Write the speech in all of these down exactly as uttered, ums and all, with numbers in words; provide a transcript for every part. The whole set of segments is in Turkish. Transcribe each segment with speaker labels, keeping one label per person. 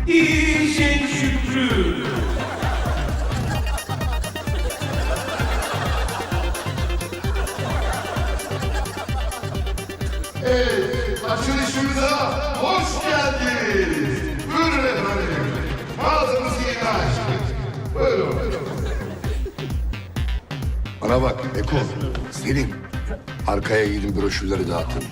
Speaker 1: İyisin Şükrü.
Speaker 2: Evet, açılışımıza hoş geldiniz. Buyurun efendim. Mağazamızı yeni açtık. Buyurun. Bana bak Eko, Selim. Arkaya gidin broşürleri dağıtın.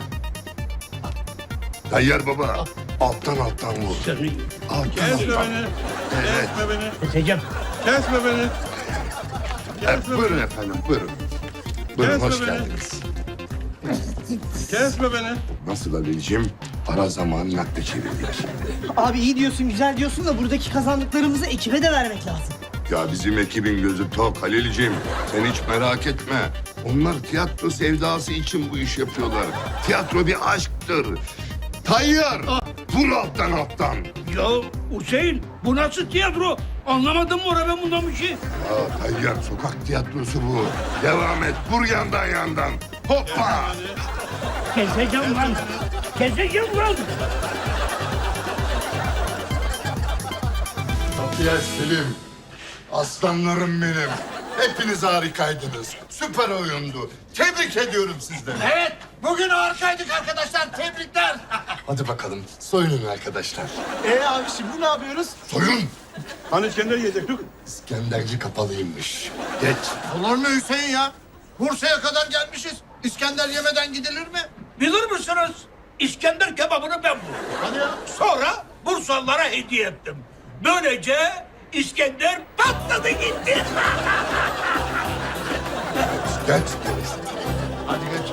Speaker 2: Tayyar baba, alttan alttan vur. Alttan
Speaker 3: Kesme
Speaker 2: alttan.
Speaker 3: beni.
Speaker 2: Evet.
Speaker 3: Kesme beni.
Speaker 4: Keseceğim.
Speaker 3: Kesme beni.
Speaker 2: Evet, buyurun efendim, buyurun. Buyurun,
Speaker 3: Kesme
Speaker 2: hoş
Speaker 3: beni.
Speaker 2: geldiniz.
Speaker 3: Kesme beni.
Speaker 2: Nasıl Halil'ciğim? Ara zamanı nakde çevirdik.
Speaker 4: Abi iyi diyorsun, güzel diyorsun da buradaki kazandıklarımızı ekibe de vermek lazım.
Speaker 2: Ya bizim ekibin gözü tok Halil'ciğim. Sen hiç merak etme. Onlar tiyatro sevdası için bu iş yapıyorlar. Tiyatro bir aşktır. Tayyar, vur alttan alttan.
Speaker 5: Ya Hüseyin bu nasıl tiyatro? Anlamadım mı oraya ben bundan bir şey?
Speaker 2: Ya Tayyar, sokak tiyatrosu bu. Devam et, vur yandan yandan. Hoppa!
Speaker 5: Keseceğim lan. Keseceğim lan.
Speaker 2: Tayyar Selim, aslanlarım benim. Hepiniz harikaydınız. Süper oyundu. Tebrik ediyorum sizleri.
Speaker 5: Evet bugün harikaydık arkadaşlar. Tebrikler.
Speaker 2: Hadi bakalım, soyunun arkadaşlar.
Speaker 4: Ee abi şimdi ne yapıyoruz?
Speaker 2: Soyun!
Speaker 3: Hani İskender yiyecektik?
Speaker 2: İskenderci kapalıymış. Geç.
Speaker 6: Olur mu Hüseyin ya? Bursa'ya kadar gelmişiz. İskender yemeden gidilir mi?
Speaker 5: Bilir misiniz? İskender kebabını ben buldum.
Speaker 6: Hadi ya.
Speaker 5: Sonra Bursalılara hediye ettim. Böylece İskender patladı gitti.
Speaker 2: Geç.
Speaker 6: Hadi geç.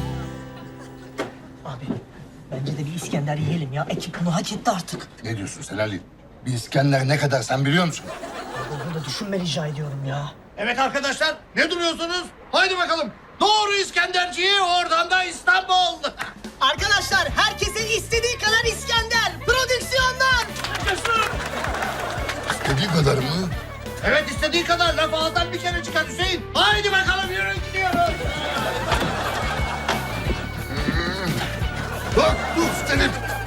Speaker 4: Abi bence de bir İskender yiyelim ya. Ekip bunu hak etti artık.
Speaker 2: Ne diyorsun sen Ali? Bir İskender ne kadar sen biliyor musun?
Speaker 4: Bunu da düşünme rica ediyorum ya.
Speaker 6: Evet arkadaşlar ne duruyorsunuz? Haydi bakalım. Doğru İskenderciye oradan da İstanbul.
Speaker 4: Arkadaşlar herkesin istediği kadar İskender. Prodüksiyonlar.
Speaker 2: İstediği kadar mı?
Speaker 6: Evet istediği kadar laf ağızdan bir kere çıkar Hüseyin. Haydi bakalım yürü gidiyoruz.
Speaker 2: Bak dur Selim.